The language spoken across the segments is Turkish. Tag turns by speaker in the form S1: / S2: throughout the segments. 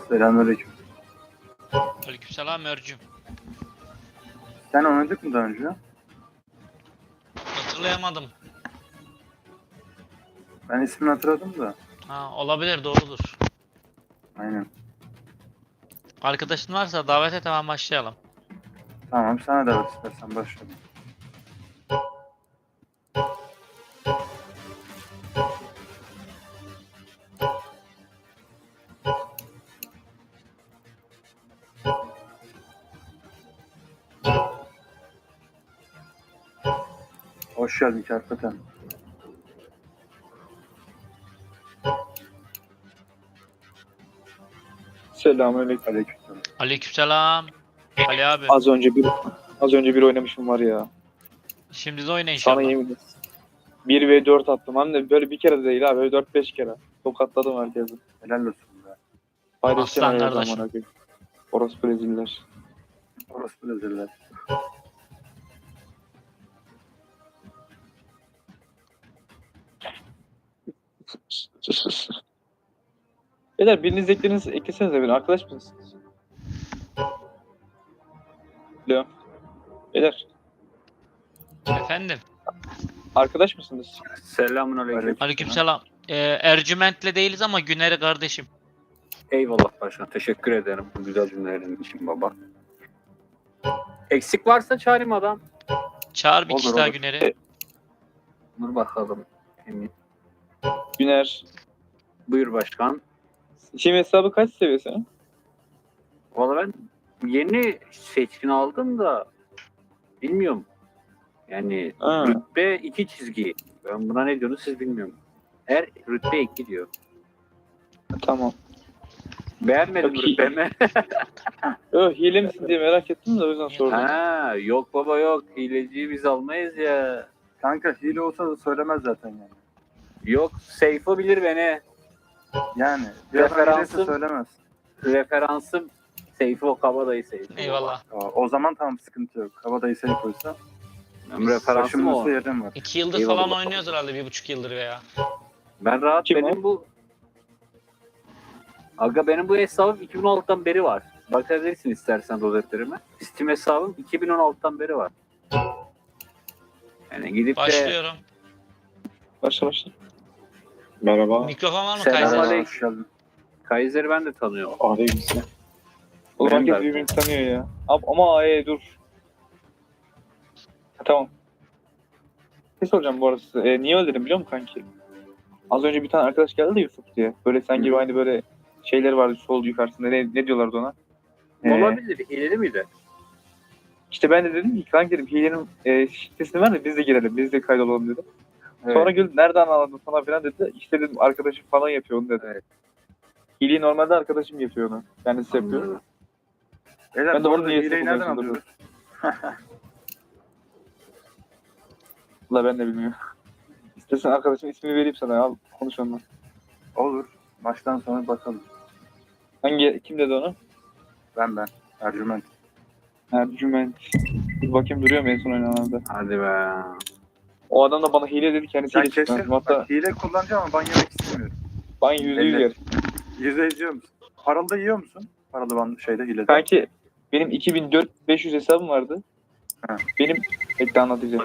S1: Selamünaleyküm.
S2: Aleykümselam Ercüm.
S1: Sen oynadık mı daha önce?
S2: Hatırlayamadım.
S1: Ben ismini hatırladım da.
S2: Ha, olabilir, doğrudur.
S1: Aynen.
S2: Arkadaşın varsa davet et, hemen başlayalım.
S1: Tamam, sana davet istersen başlayalım. Hoş geldin Kerpeten.
S3: Selamünaleyküm.
S1: Aleykümselam.
S2: Aleykümselam. Ali abi.
S3: Az önce bir oynamışım var ya.
S2: Şimdi de oyna
S3: Sana
S2: inşallah.
S3: yemin ederim. 1v4 attım. Hem de böyle bir kere de değil abi. Böyle 4-5 kere. Tokatladım herkesi.
S1: Helal olsun be.
S3: Paylaşacağım
S2: Aslan
S3: her
S2: kardeşim.
S3: zaman abi. Orospu reziller.
S1: Orası özürler.
S3: Beyler biriniz eklesenize beni. Arkadaş mısınız? Alo. Beyler.
S2: Efendim.
S3: Arkadaş mısınız?
S4: Selamünaleyküm.
S2: Aleykümselam. Ercüment'le değiliz ama Güner'i kardeşim.
S4: Eyvallah başkan. Teşekkür ederim bu güzel cümlelerin için baba. Eksik varsa çağırayım adam.
S2: Çağır bir
S1: Olur,
S2: kişi daha
S1: olur.
S2: Güner'i.
S4: Dur bakalım. Emin.
S3: Güner.
S4: Buyur başkan.
S3: Şimdi hesabı kaç seviyesi?
S4: Valla ben yeni seçkin aldım da bilmiyorum. Yani
S3: Ha.
S4: rütbe 2 çizgi. Ben buna ne diyorsunuz siz bilmiyorum. Her rütbe 2 diyor.
S3: Tamam.
S4: Beğenmedim
S3: Çok iyi.
S4: rütbemi.
S3: Yok hile misin diye merak ettim de o yüzden sordum.
S4: Ha, yok baba yok. Hileciyi biz almayız ya.
S1: Kanka hile olsa da söylemez zaten yani.
S4: Yok Seyfo bilir beni.
S1: Yani bir adam hileyse
S4: Referansım-
S1: söylemez.
S4: Referansım Seyfo Kabadayı Seyfo.
S2: Eyvallah.
S1: O zaman tamam, sıkıntı yok. Kabadayı seni koysa.
S4: Benim referansım o.
S1: Taşınması yerim var.
S2: 2 yıldır
S4: Eyvallah.
S2: falan oynuyoruz herhalde, 1,5 yıldır veya.
S4: Ben rahat
S3: Kim
S4: benim bu Aga benim bu hesabım 2016'dan beri var. Bakabilirsin istersen rozetlerime. Steam hesabım 2016'dan beri var. Yani gidip de
S2: Başlıyorum.
S3: Başla. Merhaba.
S2: Mikrofon var mı
S4: Selam
S2: Kaiser?
S4: aleyküm.
S1: Hoş geldin.
S4: Kaiser'i ben de tanıyorum.
S3: Aleykümselam. Oğlum
S1: Benim
S3: herkes
S1: de.
S3: birbirini tanıyor ya. Ama dur. Tamam. Ne soracağım bu arada size? Niye öldürdüm biliyor musun kanki? Az önce bir tane arkadaş geldi de Yusuf diye. Böyle sen gibi aynı böyle şeyler vardı sol yukarısında. Ne diyorlardı ona?
S4: Olabilir. İleri miydi?
S3: İşte ben de dedim ki kanki dedim hilenin sitesini ver de biz de girelim. Biz de kaydolalım dedim.
S1: Evet.
S3: Sonra güldü nereden anladın falan filan dedi. İşte dedim arkadaşım falan yapıyor onu dedi.
S4: Evet.
S3: Hileyi normalde arkadaşım yapıyor onu. Kendisi yapıyor.
S4: Anladım.
S1: Beyler,
S3: Ben de
S1: bu
S3: onun
S1: arada
S3: niyesini
S1: hileyi nereden
S3: buluyorsun,
S1: alıyoruz?
S3: Valla ben de bilmiyorum. İstersen arkadaşın ismini vereyim sana al konuş onunla.
S1: Olur. Maçtan sonra bakalım.
S3: Kim dedi onu?
S1: Ben. Ercüment.
S3: Ercüment. Bir bakayım duruyor mu en son oynananda.
S4: Hadi be.
S3: O adam da bana hile dedi kendisi
S1: Sen
S3: hile çıktı.
S1: kesin
S3: Hatta
S1: bak, hile kullanacağım ama ban yemek istemiyorum.
S3: ben %100
S1: Belli.
S3: yer.
S1: %100 yiyor musun? Paralı da yiyor musun? Paralı ban şeyde hilede.
S3: Kanki benim 2400 hesabım vardı.
S1: Ha.
S3: Benim bekle anlatacağım.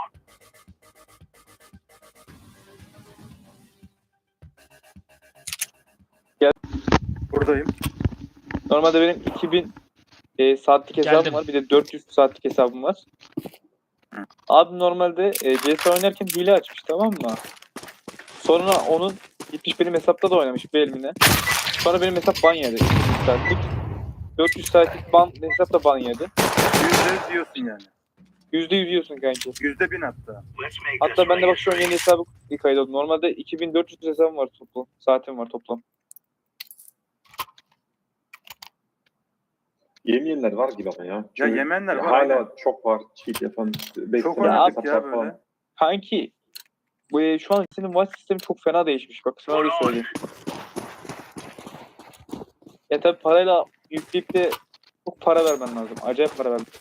S1: Buradayım.
S3: Normalde benim 2000 saatlik hesabım
S2: Geldim.
S3: var. Bir de 400 saatlik hesabım var.
S1: Hı.
S3: Abi normalde CS oynarken hile açmış tamam mı? Sonra onun gitmiş benim hesapta da oynamış bir elimine. Sonra benim hesap ban yedi. 200 saatlik. 400 saatlik hesap da ban yedi.
S1: %100 yiyorsun yani.
S3: %100 yiyorsun kanki.
S1: %1000 hatta.
S3: Hatta ben de bak şu an yeni hesabı kaydoldum. Normalde 2400 hesabım var toplam. Saatim var toplam.
S5: Yemeyenler var gibi ama ya.
S1: Ya
S5: Çünkü
S1: yemenler var.
S5: hala
S1: aynen.
S5: çok var cheat yapan.
S1: Çok
S5: bekleyen
S1: oynadık
S5: hesaplar
S1: ya
S5: falan.
S1: böyle.
S3: Kanki şu an senin maç sistemi çok fena değişmiş. Bak sana öyle söyleyeyim. Ya tabi parayla yükleyip de çok para vermen lazım. Acayip para vermen.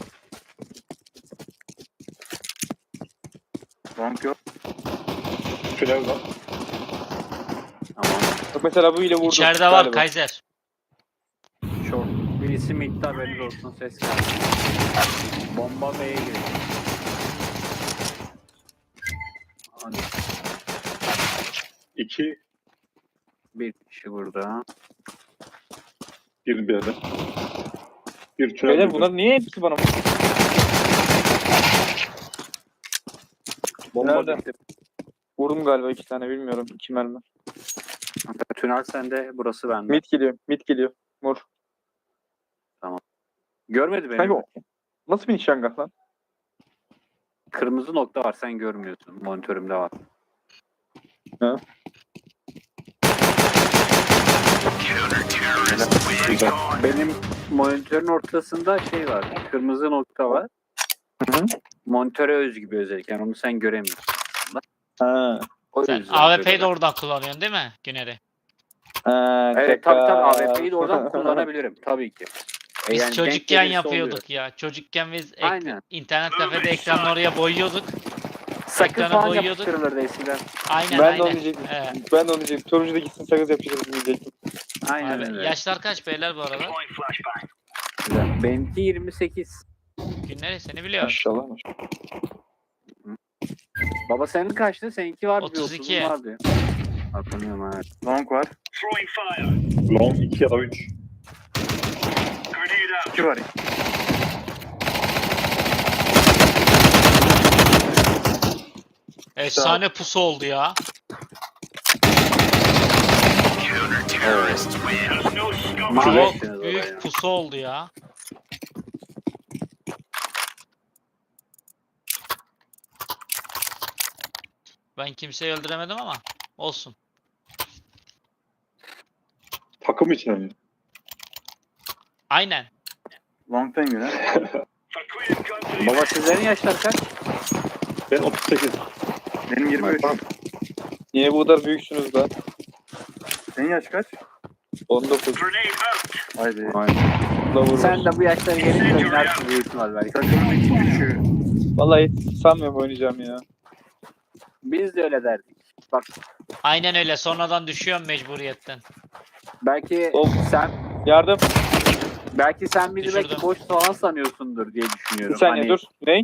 S1: Bank yok.
S5: Tünel var.
S4: Tamam.
S3: Bak mesela bu ile vurdum.
S2: İçeride var
S3: galiba.
S2: Kaiser.
S4: Birisi midde, haberiniz olsun, ses geldi. Bomba B'ye giriyor. Hadi.
S5: 2,
S4: Bir kişi burada.
S5: 1 B'de. Bir tünel.
S3: Beyler bunlar niye hepsi bana?
S5: Bomba
S3: Nerede?
S5: bitti.
S3: Vurdum galiba 2 tane bilmiyorum. 2 mermi.
S4: Tünel sende, burası bende.
S3: Mid geliyor. Mid geliyor. Mor.
S4: Görmedi beni.
S3: Kanka o- nasıl bir nişangah lan?
S4: Kırmızı nokta var, sen görmüyorsun. Monitörümde var.
S5: Güzel.
S4: Benim monitörün ortasında şey var. Kırmızı nokta var.
S3: Hı hı.
S4: Monitöre özgü bir özellik. Yani onu sen göremiyorsun.
S3: Ha.
S4: O
S2: Sen
S4: yüzden
S2: AWP'yi de
S4: böyle.
S2: oradan kullanıyorsun değil mi Güner'i?
S3: Ha,
S4: Evet,
S3: şaka.
S4: tabii AWP'yi de oradan kullanabilirim. Tabii ki.
S2: Biz
S4: Yani denk
S2: çocukken
S4: gelirse
S2: yapıyorduk
S4: oluyor.
S2: ya. Çocukken biz
S4: Aynen.
S2: internet kafede ekranı oraya boyuyorduk.
S4: Sakız
S2: Ekranı
S4: falan
S2: boyuyorduk.
S4: yapıştırılırdı eskiden.
S2: Aynen
S3: Ben de onu
S2: aynen.
S3: diyecektim.
S2: Evet.
S3: Ben de onu diyecektim. Turuncu da gitsin sakız yapıştırır diyecektim.
S4: Aynen
S2: Abi,
S4: öyle.
S2: yaşlar kaç beyler bu arada?
S4: Güzel. Benimki 28.
S2: Günleri seni biliyor.
S3: Maşallah maşallah.
S4: Baba senin kaçtı? Seninki vardı.
S2: 32.
S4: Bir 30'un vardı. Hatırlıyorum evet.
S1: Long var.
S5: Long 2 ya da 3.
S1: 2 var.
S2: Efsane pusu oldu ya. Çok
S4: Mahvettiniz orayı.
S2: büyük pusu oldu ya. Ben kimseyi öldüremedim ama olsun.
S5: Takım içine mi?
S2: Aynen.
S1: Long'tan göre.
S4: Baba sizlerin yaşlar kaç?
S5: Ben 38.
S1: Benim 23.
S3: Niye bu kadar büyüksünüz lan?
S1: Senin yaş kaç?
S3: 19.
S1: Haydi.
S3: La vurur.
S4: Sen de bu yaşlara gelince oynarsın büyük ihtimal belki.
S1: Takımın iki kişi.
S3: Vallahi hiç sanmıyorum oynayacağım ya.
S4: Biz de öyle derdik. Bak
S2: Aynen öyle. Sonradan düşüyorum mecburiyetten.
S4: belki
S3: Of.
S4: sen
S3: Yardım.
S4: bizi
S2: Düşürdüm.
S4: belki boş falan sanıyorsundur diye
S3: Bir
S4: düşünüyorum.
S3: saniye dur. Ne?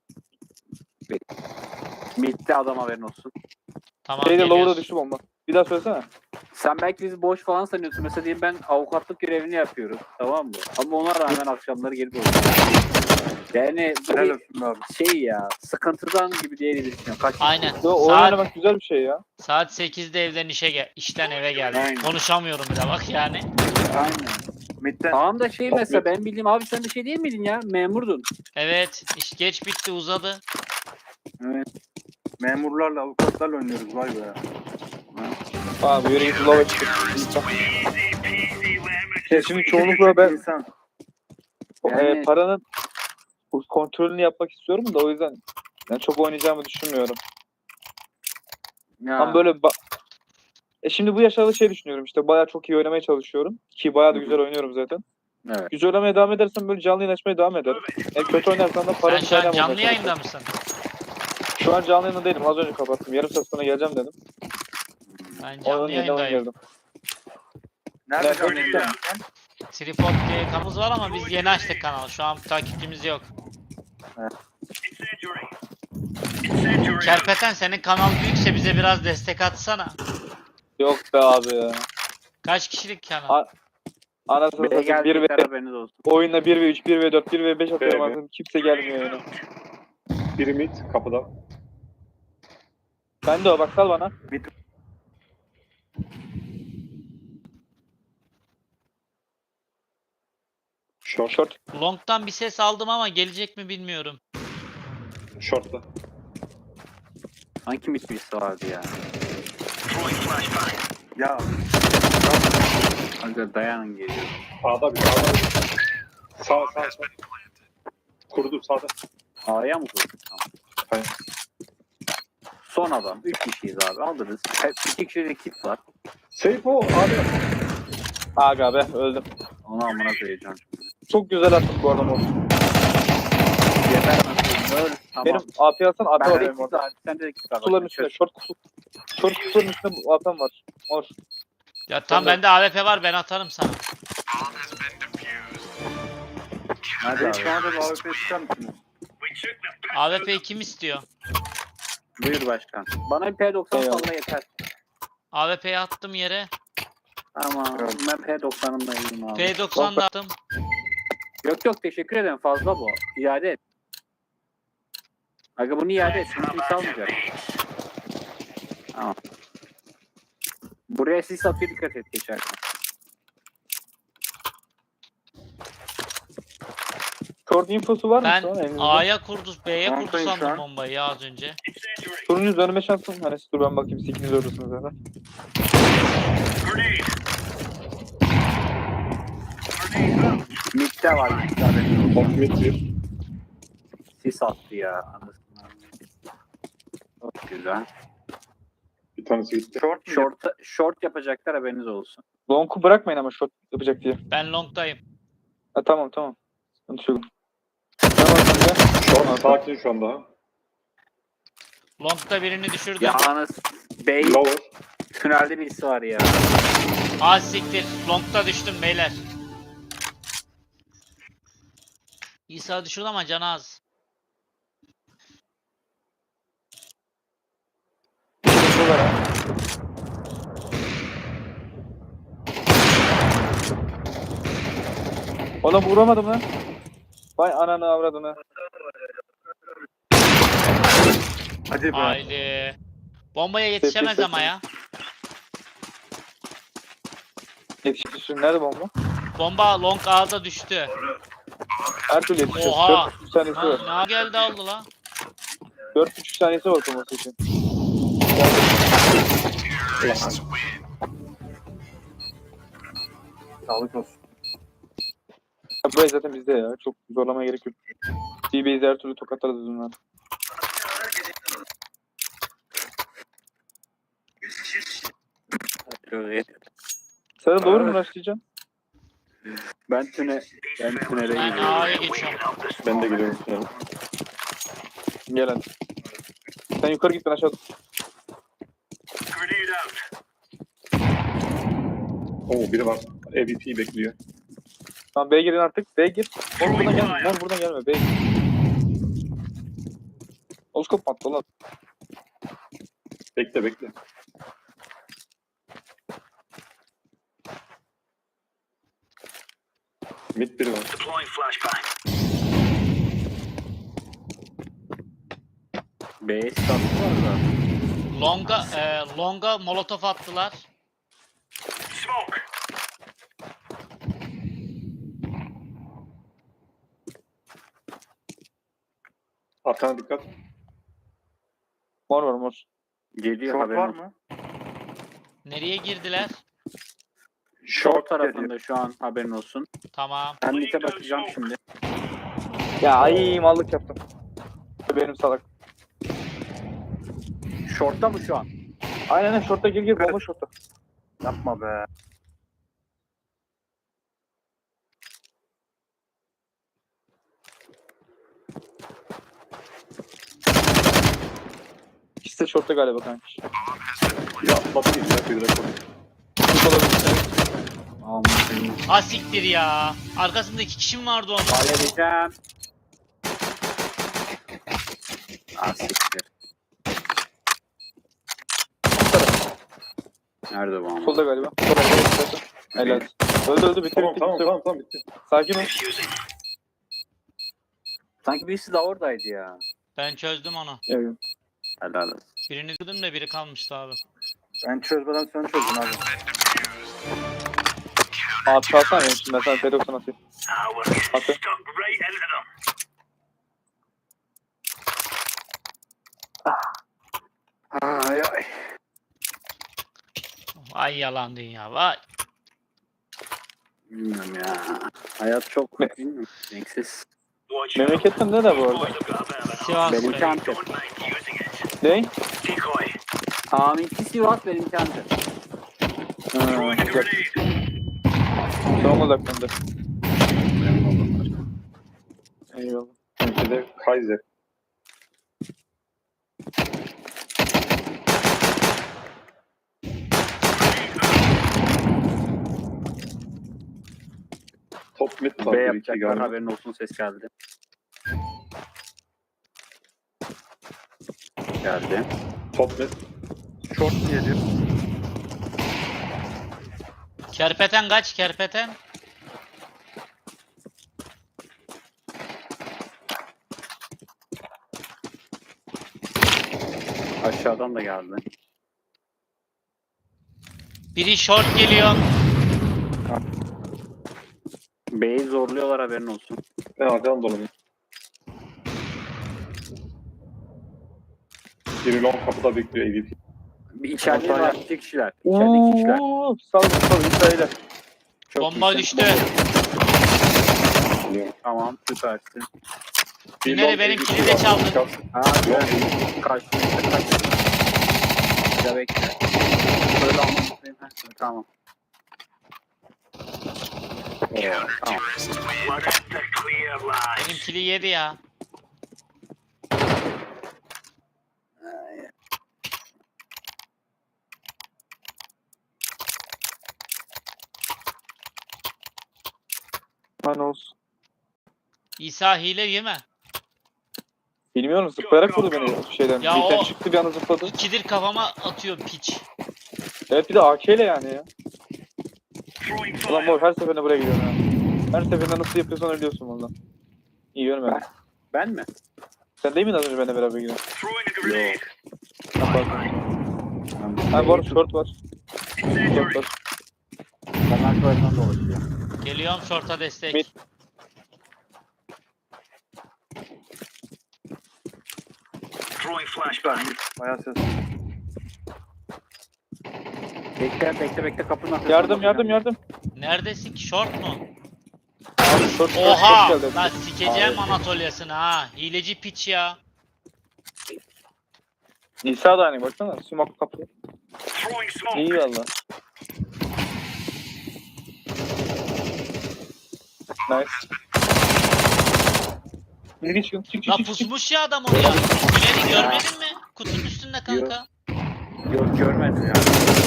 S4: Bitti adam haberin olsun.
S2: Tamam
S3: Şeyde lower'a
S2: geliyoruz.
S3: düştü bomba. Bir daha söylesene.
S4: Sen belki bizi boş falan sanıyorsun. Mesela diyeyim ben avukatlık görevini yapıyorum. Tamam mı? Ama ona rağmen akşamları gelip oynuyorum. Yani bu
S1: Helal
S4: bir
S1: olsun abi.
S4: şey ya. Sıkıntıdan gibi diye düşünüyorum. Kaç
S2: Aynen.
S3: Yo, oyun
S2: Saat,
S3: oynamak güzel bir şey ya.
S2: saat 8'de evden işten eve geldim.
S4: Aynen.
S2: Konuşamıyorum bile bak yani.
S4: Aynen.
S1: Mid'den.
S4: Tamam da şey mesela ben bildiğim abi sen de şey değil miydin ya? Memurdun.
S2: Evet. iş geç bitti uzadı.
S4: Evet.
S1: Memurlarla, avukatlarla oynuyoruz vay be.
S3: Abi yürü git lower'a çık. Ya şimdi çoğunlukla ben
S1: İnsan.
S4: Yani-
S3: paranın kontrolünü yapmak istiyorum da o yüzden yani çok oynayacağımı düşünmüyorum.
S4: Ya.
S3: Ama böyle şimdi bu yaşlarda şey düşünüyorum işte bayağı çok iyi oynamaya çalışıyorum. Ki bayağı da güzel oynuyorum zaten.
S4: Evet.
S3: Güzel oynamaya devam edersem böyle canlı yayın açmaya devam ederim. Kötü oynarsan da
S2: Sen
S3: paranı
S2: şu an
S3: kaynamamaya
S2: canlı yayında
S3: çalışırım.
S2: mısın?
S3: Şu an canlı yayında değilim. Az önce kapattım. Yarım saat sonra geleceğim dedim.
S2: Ben
S3: Onun
S2: canlı
S3: yerine oyun
S2: yayındayım.
S3: girdim.
S1: Nerede
S3: Nerede
S1: oynuyorsun
S3: oynuyorsun?
S1: sen?
S2: Tripod diye kanalımız var ama biz yeni açtık kanalı. Şu an takipçimiz yok. Kerpeten senin kanal büyükse bize biraz destek atsana.
S3: Yok be abi ya.
S2: Kaç kişilik kanal?
S3: Anasını
S4: B'ye
S3: satayım 1 ve
S4: gelecekler haberiniz olsun.
S3: oyunda 1 ve 3, 1 ve 4, 1 ve 5 atıyorum
S5: Evet.
S3: artık. Kimse gelmiyor yani.
S5: Biri mid kapıda.
S3: Ben de o bak sal bana.
S5: Short.
S3: Short.
S2: Long'dan bir ses aldım ama gelecek mi bilmiyorum.
S5: Short'ta.
S4: Hangi mitbisi vardı ya?
S1: Ya
S4: Hadi dayanın geliyor.
S5: Sağda bir. Sağda bir. Sağ. Kurdu sağda.
S4: A'ya mı koydun? Tamam.
S5: Hayır.
S4: Son adam. 3 kişiyiz abi. Alırız. Hep 2 kişilik ekip var.
S5: Seyfo abi.
S3: Aga be öldüm.
S4: Onu amına koyacağım.
S3: Çok güzel attın bu arada mor.
S4: Yeter nasıl? Öl. Tamam.
S3: Benim AP alsan AP
S4: Ben de
S3: alayım
S4: ekip
S3: orada.
S4: var. Sen de ekip var.
S3: Kutuların üstünde. Short kutuların üstünde bu AP'm var. Mor.
S2: Ya tam bende AWP var ben atarım sana.
S4: Nerede
S1: Reis
S4: abi?
S1: bana da bir AWP ister misiniz?
S2: AWP'yi kim istiyor?
S4: Buyur başkan. Bana bir P90
S3: Eyvallah.
S4: salla yeter.
S2: AWP'yi attım yere.
S4: Ama
S1: Evet.
S4: ben P90'ımla iyiyim abi.
S2: P90 da attım.
S4: Yok yok teşekkür ederim fazla bu. İade et. Aga bunu iade et. Bunu kimse almayacak. Tamam. Buraya sis atıyor dikkat et geçerken.
S3: Short infosu var mı
S2: Ben
S3: şu an elinizde?
S2: A'ya kurdu, B'ye kurdu
S1: Montayım şu
S2: sandım
S1: an.
S2: bombayı ya az önce.
S3: Turunuz önüme şansım. Hani dur ben bakayım siz ikiniz oradasınız zaten.
S4: Mid'de var mid'de haberin olsun.
S5: Mid bir.
S4: Sis attı ya. Anasını. Çok güzel.
S5: Bir tanesi gitti.
S1: Short mu?
S4: Short yapacaklar haberiniz olsun.
S3: Long'u bırakmayın ama short yapacak diye.
S2: Ben long'dayım.
S3: Ha, tamam tamam. Sıkıntı yok. Tamam şimdi.
S5: Short sakin şu an daha.
S2: Long'da birini düşürdüm.
S4: Yalnız Bey
S5: Lower.
S4: tünelde birisi var ya.
S2: Az siktir. Long'da düştüm beyler. İsa düşürdü ama canı az.
S3: Şurada var. Ona vuramadım lan. Vay ananı avradını.
S1: Hadi be.
S2: Haydi. Bombaya yetişemez ama ya.
S3: Yetişir. Nerede bomba?
S2: Bomba long A'da düştü.
S3: Her türlü yetişir.
S2: Oha!
S3: 4,5 saniyesi var.
S2: Ne geldi aldı la?
S3: 4,5 saniyesi var olması için.
S1: Sağlık olsun.
S3: Ya burayı zaten bizde ya. Çok zorlamaya gerek yok. D-Base'i her türlü tokatlarız bunlar. Sarı doğru mu başlayacaksın?
S4: Ben tünele
S2: Ben
S4: gidiyorum.
S2: A'ya geçiyorum.
S5: Ben de geliyorum. Yani.
S3: Gel hadi. Sen yukarı git ben aşağı.
S5: Oo biri var. AVP bekliyor.
S3: Tamam B'ye girin artık. B'ye gir. Oğlum buradan gelme. Lan buradan gelme. B'ye gir. Oskop attı lan.
S5: Bekle bekle. Mid biri var.
S4: B'ye sis attılar da.
S2: Long'a molotof attılar.
S5: Arkana dikkat.
S3: Mor var mor.
S4: Geliyor
S1: Short
S4: haberin
S1: var
S4: olsun.
S1: mı?
S2: Nereye girdiler?
S4: Short tarafında şu an haberin olsun.
S2: Tamam.
S4: Ben mid'e bakacağım şimdi.
S3: Ya ay mallık yaptım. Benim salak.
S4: Short'ta mı şu an?
S3: Aynen şorta gir bomba şorta.
S1: Yapma be.
S3: İkisi de şorta galiba kanka.
S5: Ya atladı bir ya. Bir de koy.
S3: Şort olabilir.
S4: Almışım.
S2: Ha siktir ya. Arkasında 2 kişim vardı onun.
S4: Halledeceğim. Ah siktir. Nerede bu ama?
S3: Solda galiba. Solda galiba. Helal. Öldü bitti
S5: Tamam
S3: bitti.
S5: tamam
S3: bitti.
S5: tamam tamam bitti.
S3: Sakin ol.
S4: Sanki birisi de oradaydı ya.
S2: Ben çözdüm onu.
S3: Evet.
S4: Helal olsun.
S2: Birini kırdım da biri kalmıştı abi.
S1: Ben çözmeden sen çözdün abi.
S3: Abi çalsana benim şimdi ben sana P90 atayım. Atı.
S4: Ay ay.
S2: Vay yalan dünya vay.
S4: Bilmiyorum ya. Hayat çok
S3: Ne?
S4: bilmiyorum. Renksiz.
S3: Memleketten ne de bu arada?
S2: Sivas
S4: Benimki
S2: Bey.
S4: Antep.
S3: Ne?
S4: Aminki Sivas benimki Antep.
S3: Güzel. Son olarak bende. Eyvallah.
S5: Bir de Kaiser. Top Top mid var.
S4: B
S5: Bir iki
S4: yapacaklar,
S5: galiba.
S4: haberin olsun, ses geldi. Geldi.
S5: Top mid.
S1: Short geliyor.
S2: Kerpeten kaç kerpeten?
S4: Aşağıdan da geldi.
S2: Biri short geliyor.
S4: B'yi zorluyorlar, haberin olsun.
S5: Ben arkadan dolanayım. Biri long kapıda bekliyor EVP.
S4: Bir içeride var, iki kişiler. İçeride iki kişiler.
S3: Uuu sal İsrail'e.
S4: Çok
S2: Bomba
S4: iyisin.
S2: düştü.
S4: Tamam, süpersin.
S2: Güneri benimkini de çaldın.
S4: Ha, güzel. Karşımızda kaç. Ya bekle. Böyle anlatayım. Tamam. Tamam.
S2: Benimkini yedi ya.
S3: Lan olsun.
S2: İsa hile yeme.
S3: Bilmiyorum zıplayarak vurdu beni şeyden.
S2: Ya
S3: Birden
S2: o-
S3: çıktı bir anda zıpladı.
S2: İkidir kafama atıyor piç.
S3: Evet bir de AK ile yani ya. Ulan mor her seferinde buraya gidiyorum ya. Her seferinde nasıl yapıyorsan ölüyorsun valla. İyi görmedim.
S4: Ben mi?
S3: Sen değil miydin az önce benimle beraber gidiyorsun?
S4: Yok.
S3: Ha bu arada short var. Short var.
S4: Ben arkalarından dolaşıyor.
S2: Geliyorum short'a destek.
S3: Mid.
S1: Bayağı ses.
S4: Bekle kapının arkasında.
S3: Yardım.
S2: Neredesin ki short mu?
S3: Abi short
S2: Oha!
S3: geldi.
S2: Lan sikeceğim Anatolia'sını ha. Hileci piç ya.
S3: İsa da aynı baksana. Sumak kapı. İyi valla. Nice. Biri çık.
S2: La pusmuş ya adam oraya. Güneri görmedin mi? Kutunun üstünde kanka.
S4: Yok, görmedim ya.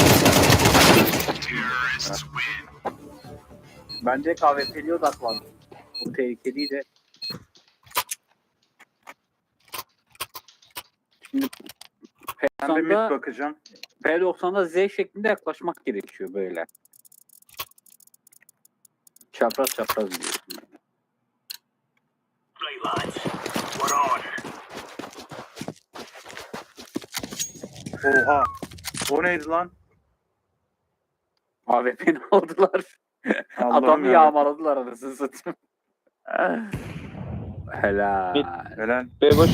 S4: Bence KVP'liye odaklandı. Bu tehlikeliydi. Şimdi
S1: Ben bir mid
S4: P90'da,
S1: bakacağım.
S4: P90'da Z şeklinde yaklaşmak gerekiyor böyle. Çapraz gidiyorsun böyle.
S1: Oha. O neydi lan?
S4: AWP'ni aldılar.
S1: Allah'ım
S4: Adamı
S1: ya.
S4: yağmaladılar anasını satayım. Helal.
S1: Helal.
S3: B boş.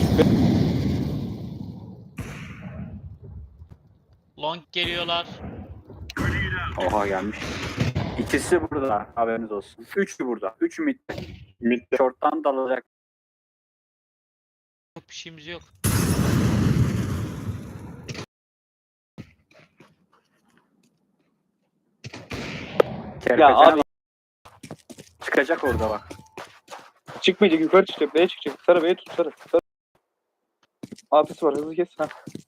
S2: Long geliyorlar.
S4: Oha gelmiş. İkisi burada, haberiniz olsun. Üçü burada. Üçü mid.
S5: Mid'de.
S4: Short'tan dalacak.
S2: Yok bir şeyimiz yok.
S3: Ya abi
S4: Çıkacak orada bak.
S3: çıkmayacak yukarı çıkacak. B'ye çıkacak. Sarı B'ye tut sarı. AP'si var hızlı kes. Ha.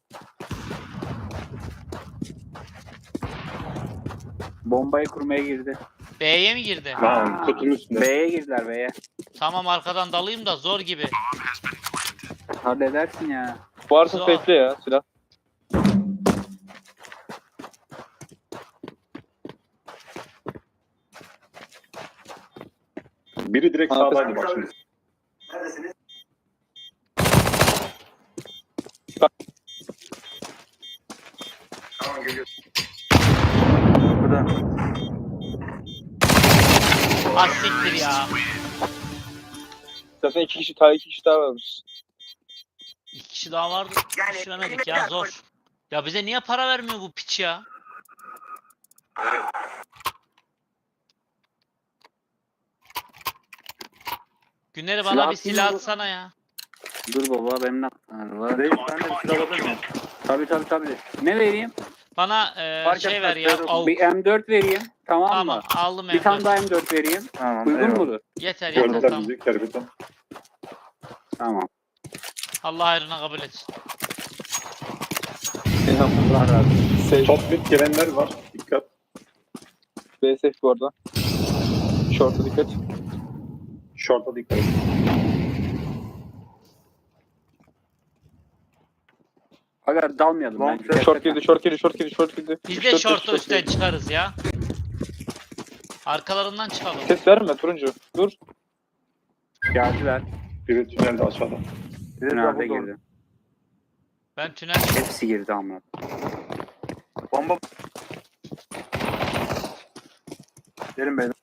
S4: Bombayı kurmaya girdi.
S2: B'ye mi girdi?
S5: Lan kutunun üstünde.
S4: B'ye girdiler B'ye.
S2: Tamam arkadan dalayım da zor gibi.
S4: Halledersin ya.
S3: Varsa
S2: Zor.
S3: safe'le ya silah.
S5: Biri direkt
S3: Arkası-
S5: sağdaydı bak şimdi.
S1: Burada.
S2: Az siktir ya.
S3: Zaten iki kişi daha varmış.
S2: İki kişi daha vardı. Düşüremedik ya zor. Ya bize niye para vermiyor bu piç ya? Günleri bana
S4: Silah
S2: bir silah
S4: atayım mı?
S2: atsana ya.
S4: Dur baba benim ne var?
S1: Reis ben de bir silah alabilir miyim?
S4: Tabii. Ne vereyim?
S2: Bana
S1: Fark
S2: şey
S1: etmez,
S2: ver ya.
S1: ver
S2: Avuk.
S4: Bir M4 vereyim. Tamam,
S2: Tamam
S4: mı?
S2: aldım
S4: Bir tane
S2: M4.
S4: daha M4 vereyim.
S1: Tamam.
S4: Uygun
S1: eyvallah.
S4: mudur?
S2: Yeter
S5: Gördüler
S2: tamam.
S5: bizi kerbetten.
S4: Tamam.
S2: Allah hayrına kabul etsin.
S3: Allah razı olsun. Safe.
S5: Top mid gelenler var. Dikkat.
S3: B safe bu arada. Short'a dikkat.
S5: Short'a dikkat et.
S4: Aga dalmayalım.
S1: Long
S4: bence.
S1: shot.
S3: Short girdi, short girdi, short girdi, short girdi.
S2: Biz
S3: Üç,
S2: de
S3: dört,
S2: short'u
S3: short
S2: üstten
S3: girdi.
S2: çıkarız ya. Arkalarından çıkalım.
S3: Ses verme turuncu. Dur.
S4: Geldiler.
S5: Biri tünelde aşağıda.
S1: Bir de
S4: Tünelde
S1: double door.
S4: girdi.
S2: Ben tünel
S4: Hepsi girdi ama.
S1: Bomba. Gelin beyler.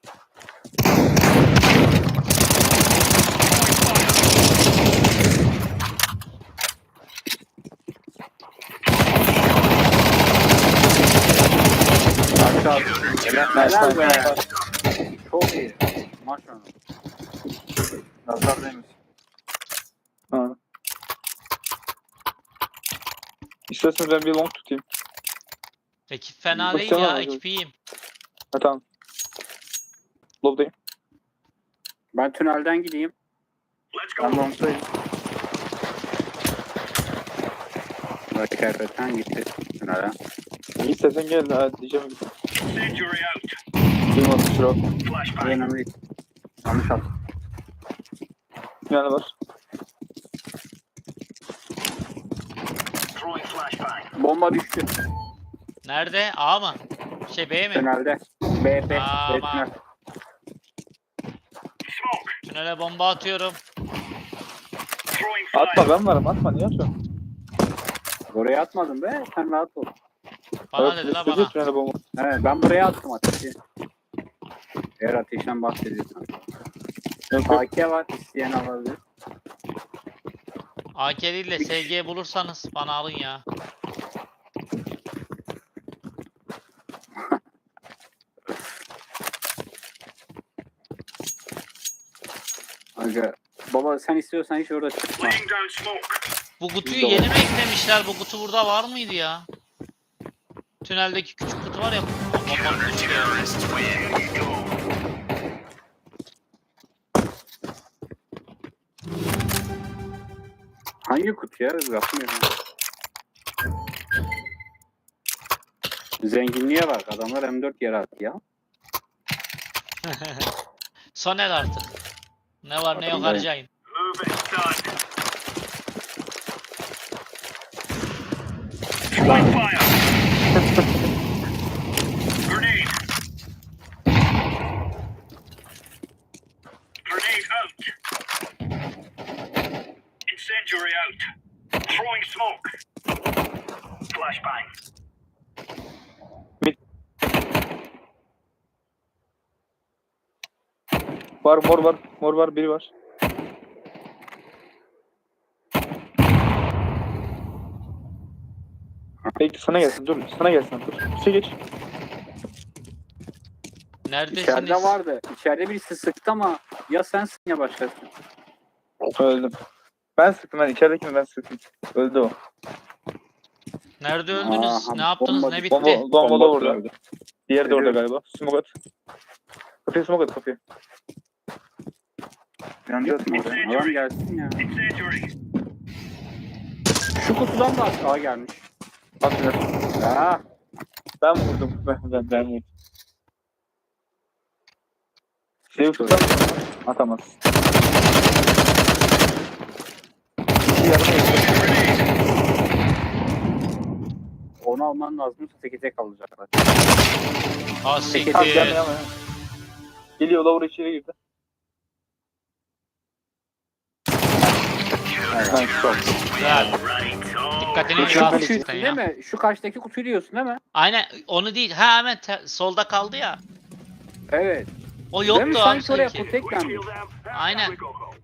S4: Aşağı. Helal be. Çok iyi. Maşallah.
S1: Nazar değmesin.
S3: Ha. İsterseniz ben bir long tutayım.
S2: ekip fena
S3: Bak
S2: değil
S3: sen
S2: ya.
S3: abi.
S2: Ekip iyiyim.
S3: Ha tamam. Lob'dayım.
S4: Ben tünelden gideyim.
S1: Ben long'dayım.
S4: Hakikaten gitti tünele.
S3: İyi istersen gel. Hadi diyeceğim. Duymadım şurada.
S4: Önemli değil. Yanlış attım.
S3: Yani var.
S4: Bomba düştü.
S2: Nerede? A mı? B mi?
S4: Tünelde. B, B.
S2: Aman.
S4: B tünel.
S2: Tünele bomba atıyorum.
S3: Atma ben varım. Atma. Niye atıyorsun?
S4: Oraya atmadım be. Sen rahat ol.
S2: Bana dedi la
S3: istedi
S2: bana.
S3: tünele bomba.
S4: Evet, ben buraya attım ateşi. Eğer ateşten bahsediyorsan.
S3: Yok yok.
S4: AK var. İsteyen alabilir.
S2: AK değil de SG bulursanız bana alın ya.
S4: Aga. Baba sen istiyorsan hiç orada çıkma.
S2: Bu kutuyu yeni mi eklemişler? Bu kutu burada var mıydı ya? Tüneldeki küçük kutu var ya. Bomba kutu çıkıyor.
S4: Hangi kutu ya? Bakmıyorum. Zenginliğe bak. Adamlar M4 yere attı ya.
S2: Soner artık. Ne var ne yok
S4: Bakın
S2: harcayın.
S6: Grenade out. Incendiary out. Throwing smoke. Flashbang.
S3: Var mor var. Mor var. Biri var. Bekle sana gelsin. Dur. Sana gelsin. Dur. Üste geç.
S2: Neredesiniz?
S4: İçeride vardı. İçeride birisi sıktı ama ya sensin ya başkası.
S3: Öldüm. Ben sıktım. Ben içeridekini ben sıktım. Öldü o.
S2: Nerede öldünüz?
S4: Aha,
S2: Ne yaptınız?
S4: bomba-
S2: Ne bitti?
S3: Bomba da orada.
S5: tünelde.
S3: Diğeri de orada
S1: Geliyorum.
S3: galiba. Smoke at. Kapıya smoke at kapıya.
S1: Yanacağız mı oraya?
S4: Adam gelsin ya.
S6: Incendiary.
S4: Şu kutudan da aşağı gelmiş.
S3: At şunu.
S4: Ha,
S3: Ben vurdum. Ben vurdum. Şeyi tutar mısın? Atamaz.
S4: onu alman lazım. Teke tek alacaklar.
S2: Ha
S4: Peki,
S3: Tamam,
S2: siktir.
S3: gelme ama. Geliyor Lower içeri girdi. Ben çok.
S2: Güzel. Dikkatini
S3: Peki,
S4: Şu
S2: dağıtın
S3: peki.
S4: kutuyu
S2: sen
S4: değil
S2: ya.
S4: mi? Şu karşıdaki kutuyu diyorsun değil mi?
S2: Aynen onu değil. Ha hemen solda kaldı ya.
S4: Evet.
S2: O
S4: Değil mi?
S2: yoktu abi
S4: Sanki oraya
S2: sanki.
S4: kutu eklenmiş.
S2: Aynen.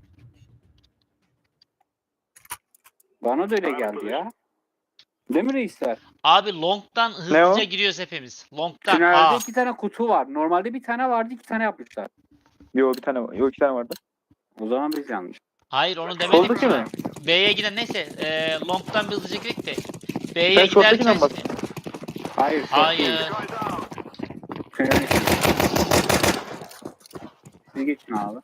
S4: Bana da öyle geldi ya. Değil mi reisler?
S2: Abi long'dan
S3: Ne
S2: hızlıca
S3: o?
S2: giriyoruz hepimiz. Long'dan.
S4: Tünelde
S2: Aa.
S4: 2 tane kutu var. Normalde bir tane vardı, 2 tane yapmışlar.
S3: Yo bir tane var. Yo iki tane vardı.
S4: O zaman biz yanlış.
S2: Hayır onu demedim
S3: Soldaki
S2: ki.
S3: mi?
S2: B'ye giden neyse long'dan bir hızlıca girdik de. B'ye
S3: Sen short'takinden
S2: giderken...
S3: bahsediyorsun.
S4: Hayır. çok
S2: Hayır.
S4: değil. Tünelin içinde. Siz geçin abi.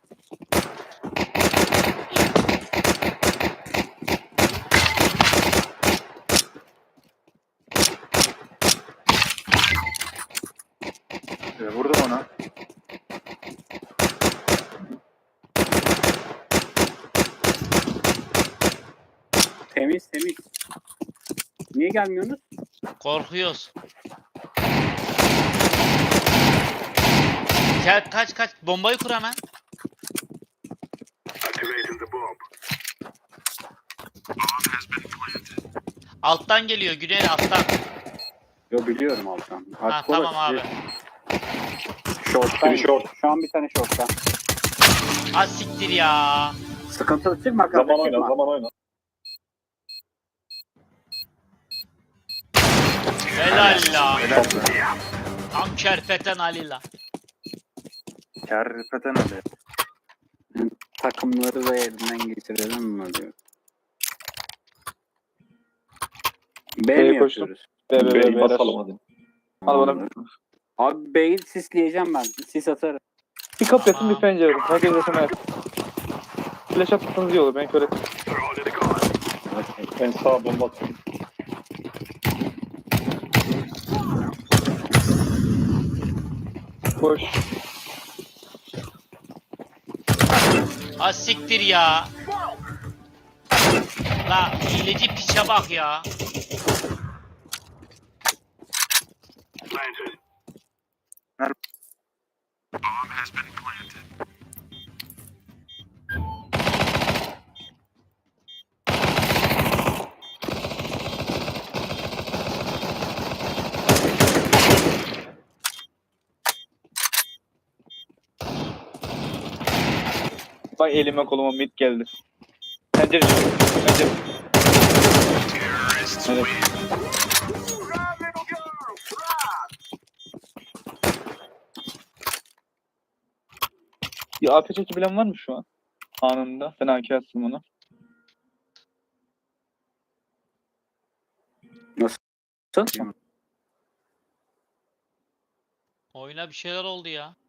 S1: Vurdum ona.
S4: Temiz temiz. Niye gelmiyorsunuz?
S2: Korkuyoruz. Gel kaç. Bombayı kur hemen.
S6: Activating the bomb.
S2: Alttan geliyor Güney alttan.
S4: Yo biliyorum alttan.
S2: Ha
S4: Artık
S2: tamam
S4: orası
S2: abi.
S4: Short'tan.
S5: Biri short.
S4: Şu an bir tane short'tan.
S2: Az siktir ya.
S4: Sıkıntılı çıkma kanka
S5: Zaman oyna,
S4: çıkma.
S5: zaman oyna.
S2: Helal la.
S1: Helal.
S2: Tam kerpeten Ali la.
S1: Kerpeten öyle.
S4: Takımları da elinden geçirelim mi diyor. B
S3: B'ye
S4: mi
S3: koştum.
S4: yapıyoruz?
S3: Be
S5: B'yi basalım hadi.
S3: Al bana.
S4: Abi B'yi sisleyeceğim ben. Sis atarım.
S3: Bir kapı yatın
S2: Tamam.
S3: bir pencere yapın. Herkes yaşama yap. Flash atsanız iyi olur. Ben kör ettim.
S5: Ben sağa bomba atıyorum.
S3: Koş.
S2: Az siktir ya. La hileci piçe bak ya.
S6: Planted.
S3: Bak elime koluma mid geldi. Pencere çıkıyor. Pencere. Evet. Bir AP çekebilen var mı şu an? Anında. Ben AK attım ona.
S4: Nasıl?
S2: Oyuna bir şeyler oldu ya.